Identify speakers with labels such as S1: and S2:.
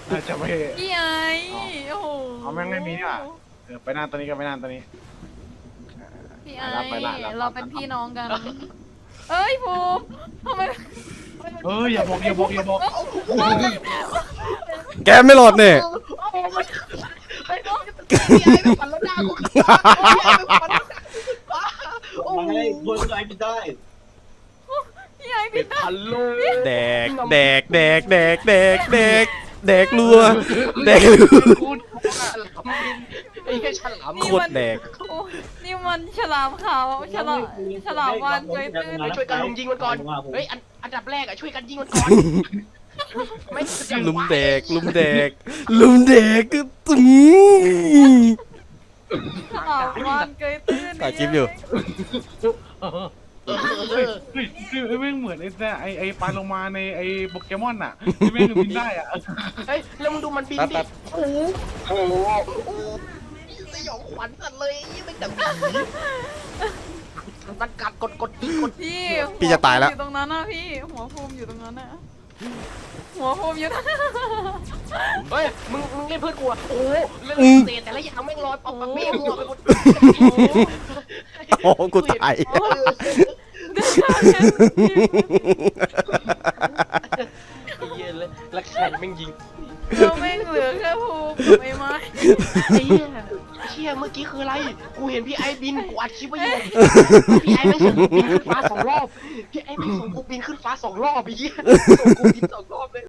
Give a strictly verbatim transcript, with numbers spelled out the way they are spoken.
S1: อาจจะไม่
S2: พี่ไอ้โอ้โห
S1: เอาแม่งไม่มีนี่หว่าเออไปนั่งตัวนี้ก็ไปนั่งตัวนี้
S2: พี่ไอ้
S1: รับไปละรับ
S2: เราเป็นพี่น้องกัน เอ้ยภูมิทำไม
S1: เฮ้ยอย่าบอกอย่าบอกอย่าบอก
S3: แกไม่หลอดเนี่ย
S4: ไอ้น้องพี่ไอ้ไปฝันแล้วหน้ากูพี่ไอ้ไปฝันโอ้
S5: มัน
S4: โห
S5: ให้คนไอ้ไม่ได้
S2: พี่ไอ้พี่
S4: ฮัลโหล
S3: แดกแดกแดกแดกแดกแดกแดกรัวแดกรัว
S4: กูฉลามบินไอ้แค่ฉลาม
S3: โคตรแดก
S2: โอ้นี่มันฉลามขาวฉลามฉลามวานเกยตื้น
S4: ช่วยกันลุมยิงมันก่อนเฮ้ยอันอันดับแรกอะช่วยกันยิงมันก่อนไม่
S3: ลุมแดกลุมแดกลุมแดกก็ตึง
S2: ฉลามวานเกยตื้น
S3: ถ่ายคลิปอยู่
S1: เฮ้ยเฮ้ยเฮ้ยแม่งเหมือนไอ้เนี่ยไอ้ไอ้ปลาโลมาในไอ้โปเกมอนอ่ะที่แม่งบินได้อ่ะ
S4: เฮ้ยแล้วมึงดูมันบิน
S3: แป๊บ
S4: ดิ
S3: แป๊บ
S4: โอ้โหโอ้โหโอ้โหสยองขวัญสัตว์เลยยี่ไม่ดับมันกัดกดกดยิงกด
S2: พี่
S3: พี่จะตายแล้ว
S2: หัภูมิอยู่ตรงนั้นนะพี่หัวภูมิอยู่ตรงนั้นนะหัวภูมิอยู่ตรงนั้น
S4: เฮ้ยมึงมึงเล่นเพื่อนกูอะโอ้โหเล่นเศษแต่ละอย่างแม่งลอยปอกปากเบี้ยหัวไปหมด
S3: โอ้กูตาย
S4: เย็นเลยแล้วแข่งแม่งยิง
S2: เราแม่งเหลือแค่ภูมิกับไอ้ไม้
S4: ไอ้เหี้ยเชี่ยเมื่อกี้คืออะไร กูเห็นพี่ไอ้บินกูอัดคลิปไว้อยู่พี่ไอ้ไม่ส่งกูบินขึ้นฟ้าสองรอบ พี่ไอ้ไม่ส่งกูบินขึ้นฟ้าสองรอบไอ้เหี้ยส่งกูบินสองรอบเลย